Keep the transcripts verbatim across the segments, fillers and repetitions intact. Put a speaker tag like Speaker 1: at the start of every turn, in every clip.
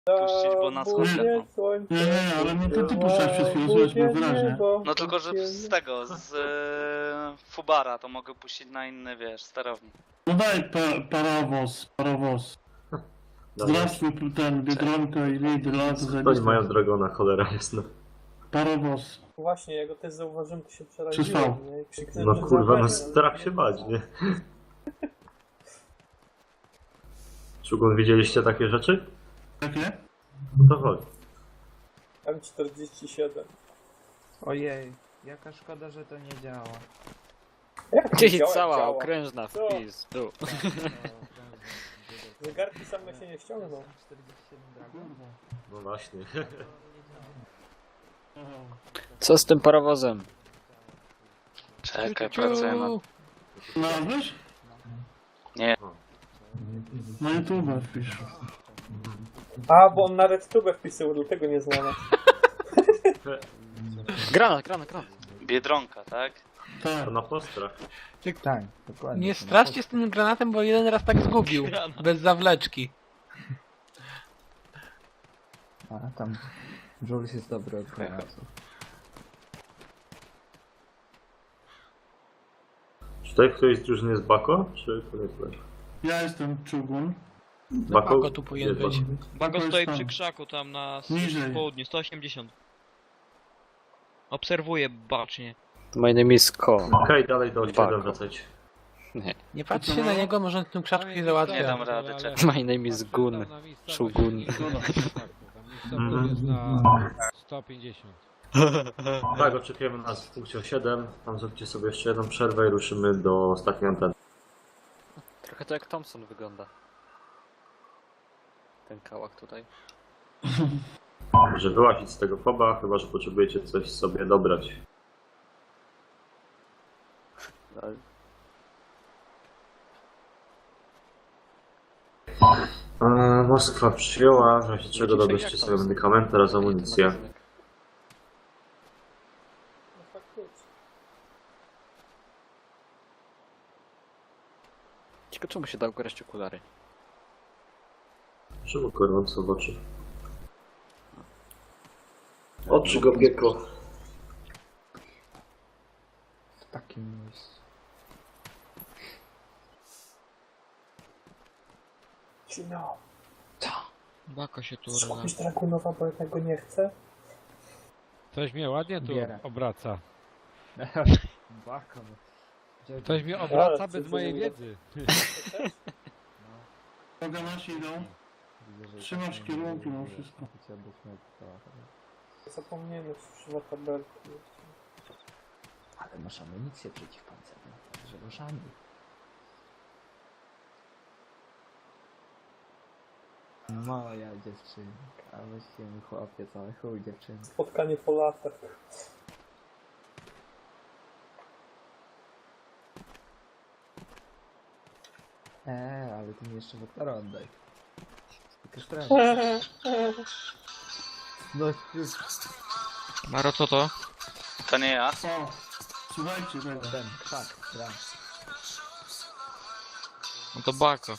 Speaker 1: puścić, bo nas odleną.
Speaker 2: Nie, nie, ale mnie to ty puszczałeś przed chwilą, słychać było wyraźnie.
Speaker 1: No tylko, że z tego, z e, Fubara to mogę puścić na inny, wiesz, sterownik.
Speaker 2: No daj pa, parowóz, parowóz. Zdrawstwuj ten Biedronka i Lidl, to
Speaker 3: Oni
Speaker 2: zajebiste.
Speaker 3: mają drogona, cholera jasna.
Speaker 2: Parowóz.
Speaker 4: Właśnie, ja go też zauważyłem, to się
Speaker 2: Przystał.
Speaker 4: przeraziłem, nie? I krzyknąłem,
Speaker 3: No
Speaker 4: że
Speaker 3: kurwa, no
Speaker 4: zabrania,
Speaker 3: strach się bać, nie? Szugun, widzieliście takie rzeczy?
Speaker 2: Jakie?
Speaker 3: No to chodź.
Speaker 4: M czterdzieści siedem.
Speaker 5: Ojej, jaka szkoda, że to nie działa.
Speaker 4: Jak
Speaker 6: Czyli
Speaker 4: działa,
Speaker 6: cała
Speaker 4: działa.
Speaker 6: okrężna
Speaker 4: Co?
Speaker 6: wpis, tu.
Speaker 4: Zegarki same się nie ściągną.
Speaker 3: No właśnie.
Speaker 6: Co z tym parowozem?
Speaker 1: Czekaj, pracuję nad...
Speaker 2: Znalazłeś?
Speaker 1: Nie.
Speaker 2: Na YouTube wpisz.
Speaker 4: A, bo on nawet tubę wpisał, dlatego nie znalazł.
Speaker 6: Granat, granat, granat.
Speaker 1: Biedronka, tak?
Speaker 2: Tak.
Speaker 3: To na postrach.
Speaker 5: Tak, dokładnie.
Speaker 7: Nie straszcie z tym granatem, bo jeden raz tak zgubił. Bez zawleczki.
Speaker 5: A tam Jules jest dobry od granatów.
Speaker 3: Czy tutaj ktoś z drużyny jest Bako? Czy to nie jest Bako?
Speaker 2: Ja jestem Czugun.
Speaker 7: Bako tu powinien
Speaker 3: Jest
Speaker 7: być.
Speaker 3: Bako.
Speaker 8: Bago
Speaker 2: jest
Speaker 8: stoi
Speaker 2: tam.
Speaker 8: przy krzaku tam na
Speaker 2: Niżej.
Speaker 8: południu, sto osiemdziesiąt. Obserwuję bacznie.
Speaker 6: My name is Ko.
Speaker 3: Okej, dalej do
Speaker 6: Bako.
Speaker 3: siedem wracać.
Speaker 7: Nie patrzcie na niego, może on tym krzaczku nie załatwia.
Speaker 1: Nie dam rady, czekaj.
Speaker 6: My name is Gun. Shugun.
Speaker 3: Mhm.
Speaker 9: jest na sto pięćdziesiąt.
Speaker 3: Tak, oczekujemy nas w punkcie siedem. Tam zróbcie sobie jeszcze jedną przerwę i ruszymy do ostatniej anteny.
Speaker 6: Trochę to jak Thompson wygląda. Ten kałak tutaj.
Speaker 3: Że wyłazić z tego foba, chyba że potrzebujecie coś sobie dobrać.
Speaker 6: Ale
Speaker 3: Eee, Moskwa przyjęła, w razie czego
Speaker 6: Dzisiaj
Speaker 3: dobierzcie
Speaker 6: jak
Speaker 3: sobie
Speaker 6: Thompson?
Speaker 3: medykamenty oraz amunicję.
Speaker 6: magazynek.
Speaker 4: No faktycznie.
Speaker 6: Ciekawe czemu się dał grać okulary.
Speaker 3: Czemu gorąco w oczy? Oczy go piekło.
Speaker 5: W takim miejscu.
Speaker 4: Cino,
Speaker 8: Bako się tu
Speaker 4: kupisz Dragunowa, bo ja tego nie chcę.
Speaker 9: Ktoś mnie ładnie tu
Speaker 5: Bierę.
Speaker 9: obraca.
Speaker 5: Bako, no. Gdzie-
Speaker 9: Ktoś mnie
Speaker 4: Ale
Speaker 9: obraca
Speaker 4: co
Speaker 9: bez
Speaker 4: ty
Speaker 9: mojej
Speaker 4: mówisz?
Speaker 9: wiedzy.
Speaker 2: Uwaga, nasi idą.
Speaker 5: Widzę, że
Speaker 2: Trzymasz
Speaker 5: tak
Speaker 2: kierunki,
Speaker 5: nie
Speaker 2: no
Speaker 5: będzie.
Speaker 2: wszystko.
Speaker 5: Wiecie, byśmy trochę.
Speaker 4: Zapomniałem, że używa tabelki.
Speaker 5: Ale masz amunicję przeciwpancerną, także ruszamy. Moja dziewczynka, a weźcie mi chłopie cały chuj dziewczynka.
Speaker 4: Spotkanie po latach.
Speaker 5: Eee, ale ty mi jeszcze wektora oddaj. Tylko strach. No już
Speaker 8: Maro, co to?
Speaker 1: To nie ja.
Speaker 2: O, słuchajcie tego.
Speaker 5: ten krzak, gra.
Speaker 8: No to Bako.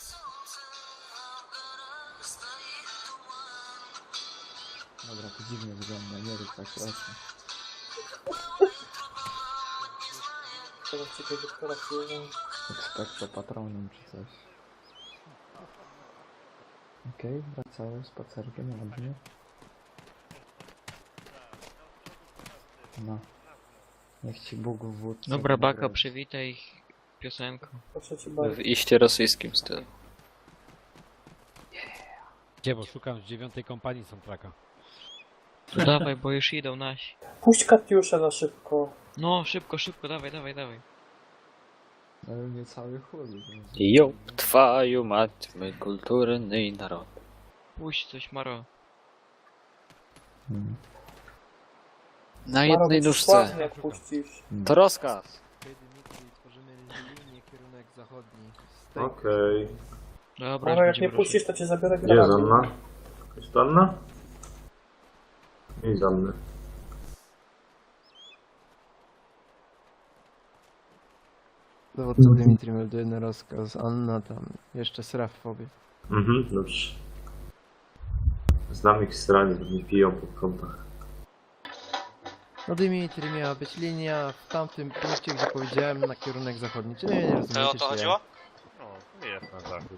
Speaker 5: Dobra, to dziwnie wygląda, nie rób tak proszę.
Speaker 4: Teraz ciekawe, doktora przyjmą.
Speaker 5: Ekspekto patronem czy coś. Okej, okay, wracały spacerkiem, ładnie. No. Niech ci Bóg wódz.
Speaker 8: Dobra, Bako, przywitaj ich piosenką.
Speaker 4: Proszę cię bardzo.
Speaker 6: W iście rosyjskim stylu.
Speaker 9: Gdzie, bo szukam z dziewiątej kompanii soundtracka.
Speaker 8: To dawaj, bo już idą nasi.
Speaker 4: Puść Katiuszę na szybko.
Speaker 8: No, szybko, szybko, dawaj, dawaj, dawaj.
Speaker 5: Ale mnie cały chudy.
Speaker 6: Jo, twaju mać, my kulturny naród.
Speaker 8: Puść coś, Maro.
Speaker 5: Hmm.
Speaker 6: Na jednej
Speaker 4: Maro,
Speaker 6: nóżce.
Speaker 4: sławnie jak puścisz.
Speaker 6: To rozkaz.
Speaker 5: Tworzymy linię, kierunek zachodni.
Speaker 3: Okej.
Speaker 8: Dobra,
Speaker 4: Maro,
Speaker 8: już
Speaker 4: jak nie
Speaker 8: będziemy
Speaker 4: puścisz, to cię zabiorę
Speaker 3: Gdzie jest
Speaker 4: granatem.
Speaker 3: Anna? Jest to Anna? Nie z Anny.
Speaker 10: Dowódca Dmitri melduje na rozkaz. Anna tam jeszcze sra w fobie.
Speaker 3: Mhm, dobrze. Znam ich strani, bo nie piją po kątach.
Speaker 10: No Dimitri, miała być linia w tamtym punkcie, gdzie powiedziałem, na kierunek zachodni. Czy nie, nie rozumiecie,
Speaker 1: To o
Speaker 10: czy
Speaker 1: to
Speaker 10: ja?
Speaker 1: chodziło?
Speaker 3: No, jest na zachód.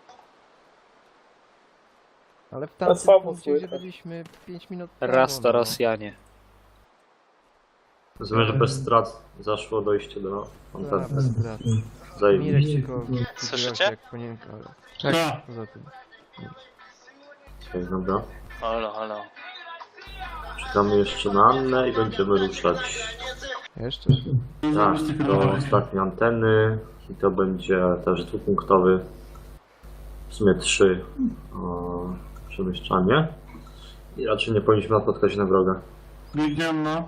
Speaker 10: Ale w
Speaker 4: To
Speaker 10: tamtym
Speaker 4: słabo
Speaker 10: punkcie, gdzie
Speaker 4: słychać.
Speaker 10: byliśmy pięć minut temu,
Speaker 6: Raz to
Speaker 10: no.
Speaker 6: Rosjanie.
Speaker 3: Rozumiem, że bez strat zaszło dojście do
Speaker 10: Dobra,
Speaker 3: antenny.
Speaker 10: bez brat.
Speaker 3: Zajebiście.
Speaker 10: Mirek tylko
Speaker 1: Słyszycie?
Speaker 10: się jak panienka, ale
Speaker 2: Tak.
Speaker 10: poza tym.
Speaker 3: Okej, dobra.
Speaker 1: Halo, halo.
Speaker 3: Czekamy jeszcze na Annę i będziemy ruszać.
Speaker 10: Jeszcze?
Speaker 3: Tak, do ostatniej anteny i to będzie też dwupunktowy, w sumie trzy o, przemieszczanie i raczej nie powinniśmy napotkać na wroga.
Speaker 2: Biegniemy na.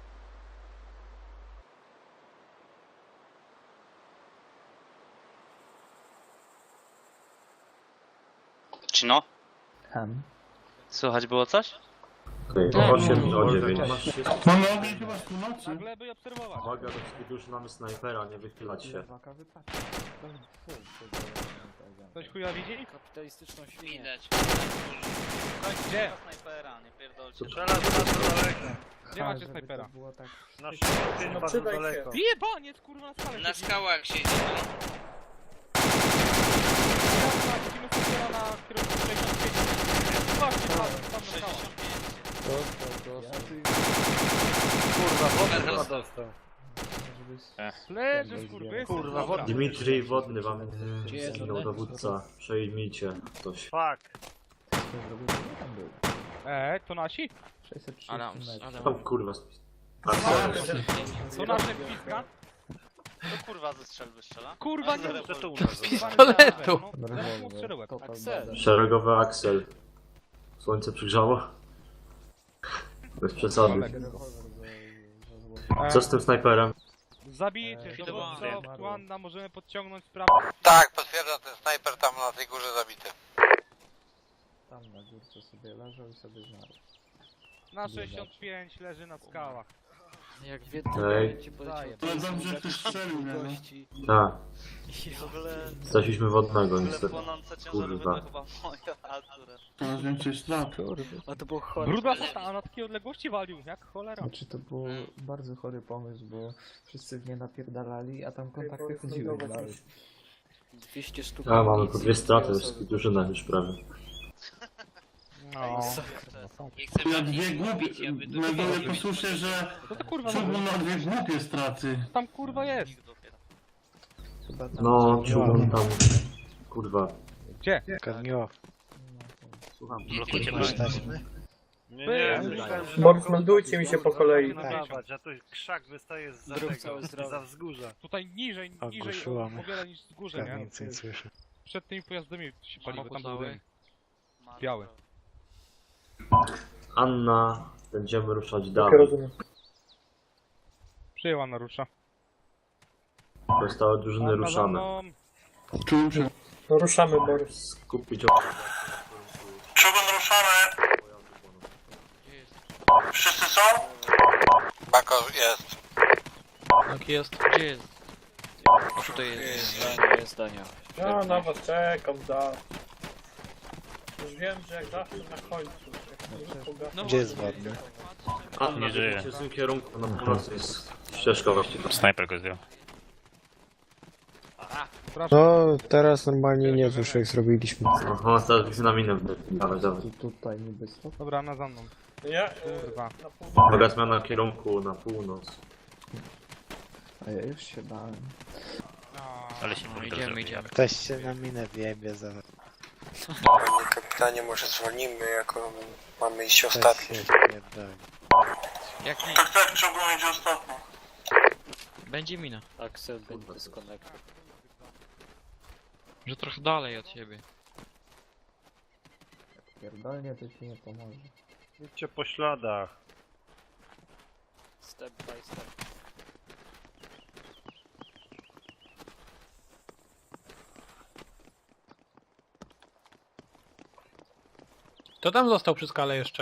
Speaker 1: Cino?
Speaker 5: Ham.
Speaker 1: Słychać było coś?
Speaker 3: Okej, o osiem i o dziewięć.
Speaker 2: Mamy ogień chyba z północy.
Speaker 3: Uwaga, do wszystkich już mamy snajpera, nie wychylać się.
Speaker 9: Ktoś chuja widzi?
Speaker 6: Kapitalistyczną świnię.
Speaker 1: Widać.
Speaker 9: Gdzie?
Speaker 1: Snajpera, nie pierdolcie.
Speaker 9: Gdzie macie snajpera?
Speaker 5: Było tak.
Speaker 4: No przydaj się.
Speaker 9: Jebaniec, kurwa, na skale.
Speaker 1: Na skałach siedzi.
Speaker 9: Widzimy snajpera na kierunku sześćdziesiąt pięć. Właśnie, tam, tam na skałach.
Speaker 1: Kurwa,
Speaker 6: dostał.
Speaker 9: Leży, skurwy.
Speaker 6: Kurwa, wodny.
Speaker 3: Dmitrij Wodny wam zginął dowódca. Przejmijcie coś.
Speaker 9: Eee, to nasi?
Speaker 5: sześćset trzydzieści
Speaker 1: Adam,
Speaker 5: metrów.
Speaker 1: Adam.
Speaker 3: Tam kurwa spis.
Speaker 9: To nasze piska?
Speaker 1: To kurwa ze strzelby strzela.
Speaker 9: Kurwa, nie
Speaker 1: Zero
Speaker 9: to
Speaker 1: bol.
Speaker 9: z
Speaker 7: pistoletu.
Speaker 9: Zaraz mu strzelę łeb.
Speaker 3: Szeregowy Axel. Słońce przygrzało? Bez przesady. Co z tym snajperem?
Speaker 9: Zabijcie,
Speaker 5: Eee,
Speaker 9: dowódco,
Speaker 5: dobra.
Speaker 9: Tuanna, możemy podciągnąć sprawę.
Speaker 11: Tak, potwierdzam, ten snajper tam na tej górze zabity.
Speaker 5: Tam na górce sobie leżał i sobie zmarł.
Speaker 9: Na sześćdziesiąt pięć leży na skałach.
Speaker 6: Jak wie,
Speaker 3: Ej.
Speaker 6: to ci poleciał.
Speaker 2: Ale dobrze, że ktoś strzelił, nie?
Speaker 6: gości.
Speaker 3: Tak,
Speaker 1: I w ogóle...
Speaker 3: straciliśmy wodnego
Speaker 1: W ogóle
Speaker 3: niestety.
Speaker 1: płonące ciężarowe
Speaker 3: Kurwa.
Speaker 1: to chyba moja akurat.
Speaker 2: Coraz więcej strat.
Speaker 6: A to było chore.
Speaker 9: Bruda a na takiej odległości walił, jak cholera.
Speaker 5: Znaczy to był bardzo chory pomysł, bo wszyscy w nie napierdalali, a tam kontakty
Speaker 4: powiedz
Speaker 5: chodziły
Speaker 4: lądować
Speaker 5: dalej.
Speaker 4: już.
Speaker 6: dwieście sztuk.
Speaker 3: A, mamy po
Speaker 6: amunicji,
Speaker 3: dwie straty,
Speaker 6: dwie
Speaker 3: wszystkich
Speaker 6: osoby.
Speaker 3: drużynach już prawie.
Speaker 9: No.
Speaker 2: Na dwie głupie. Meduję posłyszę, że
Speaker 9: To to kurwa,
Speaker 2: czemu
Speaker 9: no,
Speaker 2: na dwie głupie straty.
Speaker 9: tam kurwa jest.
Speaker 5: Chyba tam
Speaker 3: No, czułem tam... Kurwa.
Speaker 9: Gdzie?
Speaker 3: Słucham.
Speaker 1: Blokujcie
Speaker 9: Nie,
Speaker 4: Borys, meldujcie mi się po kolei.
Speaker 9: A tu krzak wystaje z
Speaker 6: Drób cały zdrowy.
Speaker 9: wzgórza. Tutaj niżej, niżej o, o wiele niż z górze, nie? Przed tymi pojazdami się pali, bo tam był dym. Biały.
Speaker 3: Anna, będziemy ruszać
Speaker 4: Tak,
Speaker 3: dalej.
Speaker 4: rozumiem.
Speaker 9: Przyjęła narusza.
Speaker 3: Pozostałe drużyny ruszamy.
Speaker 2: Czułem się.
Speaker 4: No ruszamy, Borys.
Speaker 3: Skupić
Speaker 11: Czubun ruszamy! Wszyscy są? Bako jest.
Speaker 7: Tak jest.
Speaker 1: Gdzie jest? Tutaj jest.
Speaker 6: Zdania, jest zdania.
Speaker 4: Ja na was czekam, da. Już wiem, że jak zawsze na końcu. jak nie pogasnę-
Speaker 1: Gdzie jest ładny?
Speaker 3: Anna, nie żyje. W tym kierunku na północy jest ścieżka właściwie.
Speaker 12: Snajper go zdjął.
Speaker 10: No, teraz normalnie nie wiesz jak zrobiliśmy.
Speaker 3: Aha, teraz byśmy na minę wdechli. Dawaj, dawaj.
Speaker 5: Tu, tutaj niby stop.
Speaker 9: Dobra, na za mną.
Speaker 4: Ja, e,
Speaker 9: Kurwa.
Speaker 4: na pół...
Speaker 3: Uwaga, zmiana kierunku na północ.
Speaker 5: A ja już się bałem.
Speaker 12: Ale się
Speaker 1: No, idziemy, idziemy.
Speaker 10: Ktoś się na minę wiebie za...
Speaker 11: Panie kapitanie, może zwolnimy, jako mamy iść ostatni.
Speaker 1: Jak mi?
Speaker 11: Tak, tak, Czubun idzie ostatni.
Speaker 1: Będzie mina.
Speaker 6: Axel będzie dysconnect.
Speaker 1: Że trochę dalej od siebie.
Speaker 5: Pierdolnie to ci nie pomoże.
Speaker 12: Idźcie po śladach.
Speaker 6: Step by step.
Speaker 7: To tam został przy skale jeszcze.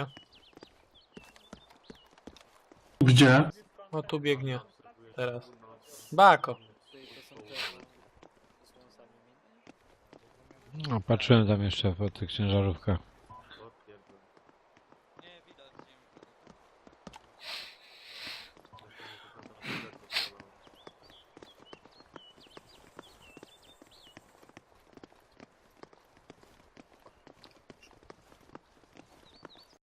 Speaker 2: Gdzie?
Speaker 7: O, tu biegnie. Teraz. Bako.
Speaker 9: No, patrzyłem tam jeszcze po tych ciężarówkach.